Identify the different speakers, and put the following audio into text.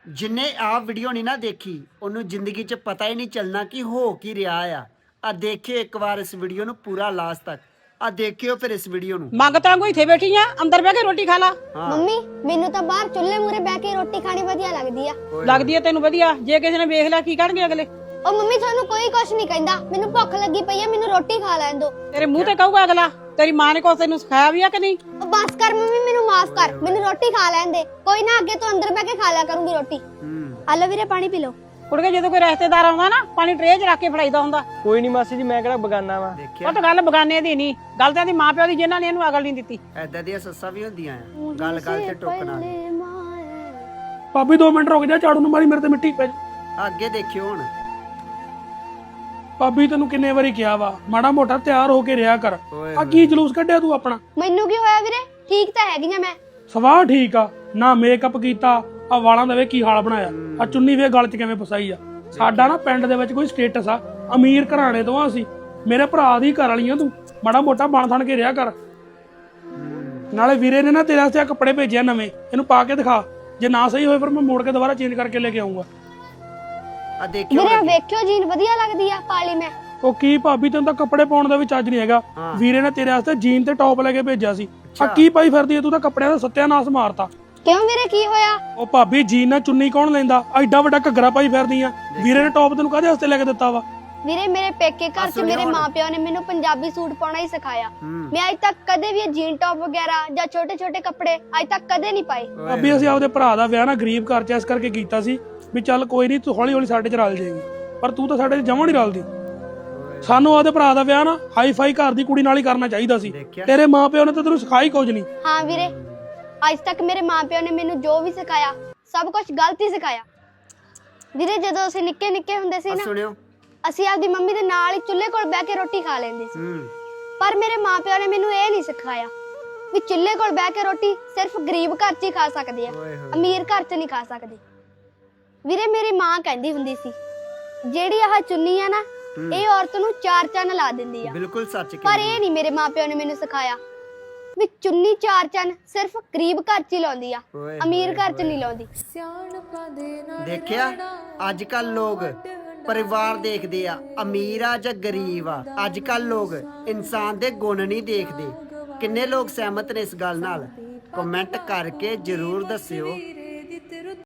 Speaker 1: जिन्ने आ वीडियो नहीं ना देखी ਉਹਨੂੰ ਜ਼ਿੰਦਗੀ 'ਚ ਪਤਾ ਹੀ ਨਹੀਂ ਚੱਲਣਾ ਕਿ ਹੋ ਕੀ ਰਿਹਾ ਆ ਦੇਖਿਓ ਇੱਕ ਵਾਰ ਇਸ ਵੀਡੀਓ ਨੂੰ ਪੂਰਾ ਲਾਸਟ ਤੱਕ ਆ ਦੇਖਿਓ ਫਿਰ ਇਸ ਵੀਡੀਓ ਨੂੰ
Speaker 2: ਮੰਗਤਾ ਕੋਈ ਇੱਥੇ ਬੈਠੀ ਆ ਅੰਦਰ ਬਹਿ ਕੇ ਰੋਟੀ ਖਾ ਲਾ
Speaker 3: ਮੰਮੀ ਮੈਨੂੰ ਤਾਂ ਬਾਹਰ ਚੁੱਲ੍ਹੇ ਮੂਰੇ ਬਹਿ ਕੇ ਰੋਟੀ ਖਾਣੀ ਵਧੀਆ ਲੱਗਦੀ ਆ
Speaker 2: ਲੱਗਦੀ ਆ ਤੈਨੂੰ ਵਧੀਆ ਜੇ ਕਿਸੇ ਨੇ ਵੇਖ ਲਿਆ ਕੀ ਕਰਨਗੇ ਅਗਲੇ
Speaker 3: ਉਹ ਮੰਮੀ ਤੁਹਾਨੂੰ ਕੋਈ ਕੁਛ ਨਹੀਂ ਕਹਿੰਦਾ ਮੈਨੂੰ ਭੁੱਖ ਲੱਗੀ ਪਈ ਆ ਮੈਨੂੰ ਰੋਟੀ ਖਾ ਲੈਣ ਦਿਓ
Speaker 2: ਤੇਰੇ ਮੂੰਹ ਤੇ ਕਹੂਗਾ ਅਗਲਾ ਤੇਰੀ ਮਾਂ ਨੇ ਕੁਛ ਤੈਨੂੰ ਸਿਖਾਇਆ ਵੀ ਆ ਕਿ ਨਹੀਂ
Speaker 3: ਉਹ ਬਸ ਕਰ ਮੰਮੀ ਮੈਨੂੰ ਮਾਫ ਕਰ ਮੈਨੂੰ ਰੋਟੀ ਖਾ ਲੈਣ ਦੇ ਕੋਈ ਨਾ ਅੱਗੇ ਤੋਂ ਅੰਦਰ ਬਹਿ ਕੇ ਖਾ ਲਿਆ ਕਰੂੰਗੀ ਰੋਟੀ ਆ ਲਓ ਵੀਰੇ ਪਾਣੀ ਪੀ ਲਓ
Speaker 2: ਕੁੜਕੇ ਜਦੋਂ ਕੋਈ ਰਿਸ਼ਤੇਦਾਰ ਆਉਂਦਾ ਨਾ ਪਾਣੀ ਟਰੇ 'ਚ ਰੱਖ ਕੇ ਫੜਾਈਦਾ ਹੁੰਦਾ
Speaker 4: ਕੋਈ ਨਹੀਂ ਮਾਸੀ ਜੀ ਮੈਂ ਕਿਹੜਾ ਬਗਾਨਾ ਵਾ
Speaker 2: ਉਹ ਤਾਂ ਗੱਲ ਬਗਾਨੇ ਦੀ ਨਹੀਂ ਗੱਲ ਤਾਂ ਇਹਦੀ ਮਾਂ ਪਿਓ ਦੀ ਜਿਨ੍ਹਾਂ ਨੇ ਇਹਨੂੰ ਅਕਲ ਨਹੀਂ ਦਿੱਤੀ
Speaker 1: ਐਦਾਂ ਦੀਆਂ ਸੱਸਾਂ ਵੀ ਹੁੰਦੀਆਂ ਆ ਗੱਲ ਗੱਲ ਤੇ ਟੋਕਣਾ
Speaker 5: ਭਾਬੀ 2 ਮਿੰਟ ਰੁਕ ਜਾ ਝਾੜੂ ਨੂੰ ਮਾਰੀ ਮੇਰੇ ਤੇ ਮਿੱਟੀ ਪੈ
Speaker 1: ਅੱਗੇ ਦੇਖਿਓ ਹੁਣ
Speaker 5: ਭਾਬੀ ਤੈਨੂੰ ਕਿੰਨੇ ਵਾਰੀ ਕਿਹਾ ਵਾ ਮਾੜਾ ਮੋਟਾ ਤਿਆਰ ਹੋ ਕੇ ਰਿਹਾ ਕਰ ਆ ਕੀ ਜਲੂਸ ਕੱਢਿਆ ਤੂੰ ਆਪਣਾ
Speaker 3: ਮੈਨੂੰ ਕੀ ਹੋਇਆ ਵੀਰੇ ਠੀਕ ਤਾਂ ਹੈਗੀ ਆ ਮੈਂ
Speaker 5: ਸਵਾਹ ਠੀਕ ਆ ਨਾ ਮੇਕਅਪ ਕੀਤਾ ਆ ਵਾਲਾਂ ਦਾ ਵੇ ਕੀ ਹਾਲ ਬਣਾਇਆ ਆ ਚੁੰਨੀ ਵੇ ਗਲ 'ਚ ਕਿਵੇਂ ਫਸਾਈ ਆ ਸਾਡਾ ਨਾ ਪਿੰਡ ਦੇ ਵਿੱਚ ਕੋਈ ਸਟੇਟਸ ਆ ਅਮੀਰ ਘਰਾਣੇ ਤੋਂ ਆ ਅਸੀਂ ਮੇਰੇ ਭਰਾ ਦੀ ਘਰ ਵਾਲੀਆਂ ਤੂੰ ਮਾੜਾ ਮੋਟਾ ਬਣ ਥਣ ਕੇ ਰਿਹਾ ਕਰ ਨਾਲੇ ਵੀਰੇ ਨੇ ਨਾ ਤੇਰੇ ਵਾਸਤੇ ਆ ਕੱਪੜੇ ਭੇਜਿਆ ਨਵੇਂ ਇਹਨੂੰ ਪਾ ਕੇ ਦਿਖਾ ਜੇ ਨਾ ਸਹੀ ਹੋਏ ਫਿਰ ਮੈਂ ਮੋੜ ਕੇ ਦੁਬਾਰਾ ਚੇਂਜ ਕਰਕੇ ਲੈ ਕੇ ਆਉਂਗਾ
Speaker 1: ਆ ਦੇਖਿਓ
Speaker 3: ਵੀਰੇ ਵੇਖਿਓ ਜੀਨ ਵਧੀਆ ਲੱਗਦੀ ਆ ਪਾਲੀ ਮੈਂ
Speaker 5: ਉਹ ਕੀ ਭਾਬੀ ਤੈਨੂੰ ਤਾਂ ਕੱਪੜੇ ਪਾਉਣ ਦਾ ਵੀ ਚੱਜ ਨਹੀਂ ਹੈਗਾ ਵੀਰੇ ਨੇ ਤੇਰੇ ਵਾਸਤੇ ਜੀਨ ਤੇ ਟੌਪ ਲੈ ਕੇ ਭੇਜਿਆ ਸੀ ਆ ਕੀ ਪਾਈ ਫਿਰਦੀ ਐ ਤੂੰ ਤਾਂ ਕੱਪੜਿਆਂ ਦਾ ਸੱਤਿਆਨਾਸ਼ ਮਾਰਤਾ
Speaker 3: ਕਿਉਂ ਵੀਰੇ ਕੀ ਹੋਇਆ
Speaker 5: ਉਹ ਭਾਬੀ ਜੀਨ ਨਾਲ ਚੁੰਨੀ ਕੌਣ ਲੈਂਦਾ ਐਡਾ ਵੱਡਾ ਘੱਗਰਾ ਪਾਈ ਫਿਰਦੀ ਆ ਵੀਰੇ ਨੇ ਟੌਪ ਤੈਨੂੰ ਕਾਹਦੇ ਵਾਸਤੇ ਲੈ ਕੇ ਦਿੱਤਾ ਵਾ
Speaker 3: ਵੀਰੇ ਮੇਰੇ ਪੇਕੇ ਘਰ 'ਚ ਮੇਰੇ ਮਾਪਿਆਂ ਨੇ ਮੈਨੂੰ ਪੰਜਾਬੀ ਸੂਟ ਪਾਉਣਾ ਹੀ ਸਿਖਾਇਆ ਮੈਂ ਅੱਜ ਤੱਕ ਕਦੇ ਵੀ ਇਹ ਜੀਨ ਟੌਪ ਵਗੈਰਾ ਜਾਂ ਛੋਟੇ ਛੋਟੇ ਕੱਪੜੇ ਅੱਜ ਤੱਕ ਕਦੇ ਨਹੀਂ ਪਾਏ
Speaker 5: ਭਾਬੀ ਅਸੀਂ ਆਪਦੇ ਭਰਾ ਦਾ ਵਿਆਹ ਨਾ ਗਰੀਬ ਘਰ 'ਚ ਇਸ ਕਰਕੇ ਕੀਤਾ ਸੀ ਵੀ ਚੱਲ ਕੋਈ ਨਹੀਂ ਤੂੰ ਹੌਲੀ ਹੌਲੀ ਸਾਡੇ 'ਚ ਰਲ ਜਾਏਗੀ ਪਰ ਤੂੰ ਤਾਂ ਸਾਡੇ 'ਚ ਜਮਾਂ ਨਹੀਂ ਰਲਦੀ ਸਾਨੂੰ ਆਪਦੇ ਭਰਾ ਦਾ ਵਿਆਹ ਨਾ ਹਾਈ ਫਾਈ ਘਰ ਦੀ ਕੁੜੀ ਨਾਲ ਹੀ ਕਰਨਾ ਚਾਹੀਦਾ ਸੀ ਤੇਰੇ ਮਾਪਿਓ ਨੇ ਤਾਂ ਤੈਨੂੰ ਸਿਖਾਈ ਕੁਝ ਨਹੀਂ
Speaker 3: ਹਾਂ ਵੀਰੇ ਅੱਜ ਤੱਕ ਮੇਰੇ ਮਾਪਿਆਂ ਨੇ ਮੈਨੂੰ ਜੋ ਵੀ ਸਿਖਾਇਆ ਸਭ ਕੁਝ ਗਲਤ ਹੀ ਸਿਖਾਇਆ ਵੀਰੇ ਜਦੋਂ ਅਸੀਂ ਨਿੱਕੇ ਨਿੱਕੇ ਹੁੰਦੇ ਸੀ ਨਾ
Speaker 1: ਸੁਣਿਓ
Speaker 3: ਅਸੀਂ ਆਪਦੀ ਮੰਮੀ ਦੇ ਨਾਲ ਹੀ ਚੁੱਲ੍ਹੇ ਕੋਲ ਬਹਿ ਕੇ ਰੋਟੀ ਖਾ ਲੈਂਦੇ ਸੀ ਪਰ ਮੇਰੇ ਮਾਪਿਆਂ ਨੇ ਮੈਨੂੰ ਇਹ ਨਹੀਂ ਸਿਖਾਇਆ ਵੀ ਚੁੱਲ੍ਹੇ ਕੋਲ ਬਹਿ ਕੇ ਰੋਟੀ ਸਿਰਫ ਗਰੀਬ ਘਰ 'ਚ ਹੀ ਖਾ ਸਕਦੇ ਆ ਅਮੀਰ ਘਰ 'ਚ ਨਹੀਂ ਖਾ ਸਕਦੇ ਵੀਰੇ ਮੇਰੀ ਮਾਂ ਕਹਿੰਦੀ ਹੁੰਦੀ ਸੀ ਜਿਹੜੀ ਆਹ ਚੁੰਨੀ ਆ ਨਾ ਇਹ ਔਰਤ ਨੂੰ 4 ਚੰਨ ਲਾ ਦਿੰਦੀ ਆ
Speaker 1: ਬਿਲਕੁਲ ਸੱਚ
Speaker 3: ਪਰ ਇਹ ਨਹੀਂ ਮੇਰੇ ਮਾਪਿਆਂ ਨੇ ਮੈਨੂੰ ਸਿਖਾਇਆ ਵੀ ਚੁੰਨੀ 4 ਚੰਨ ਸਿਰਫ ਗਰੀਬ ਘਰ 'ਚ ਹੀ ਲਾਉਂਦੀ ਆ ਅਮੀਰ ਘਰ 'ਚ ਨਹੀਂ ਲਾਉਂਦੀ
Speaker 1: ਦੇਖਿਆ ਅੱਜ ਕੱਲ ਲੋਕ ਪਰਿਵਾਰ ਦੇਖਦੇ ਆ ਅਮੀਰ ਆ ਜਾਂ ਗਰੀਬ ਆ ਅੱਜ ਕੱਲ ਲੋਕ ਇਨਸਾਨ ਦੇ ਗੁਣ ਨਹੀਂ ਦੇਖਦੇ ਕਿੰਨੇ ਲੋਕ ਸਹਿਮਤ ਨੇ ਇਸ ਗੱਲ ਨਾਲ ਕਮੈਂਟ ਕਰਕੇ ਜਰੂਰ ਦੱਸਿਓ।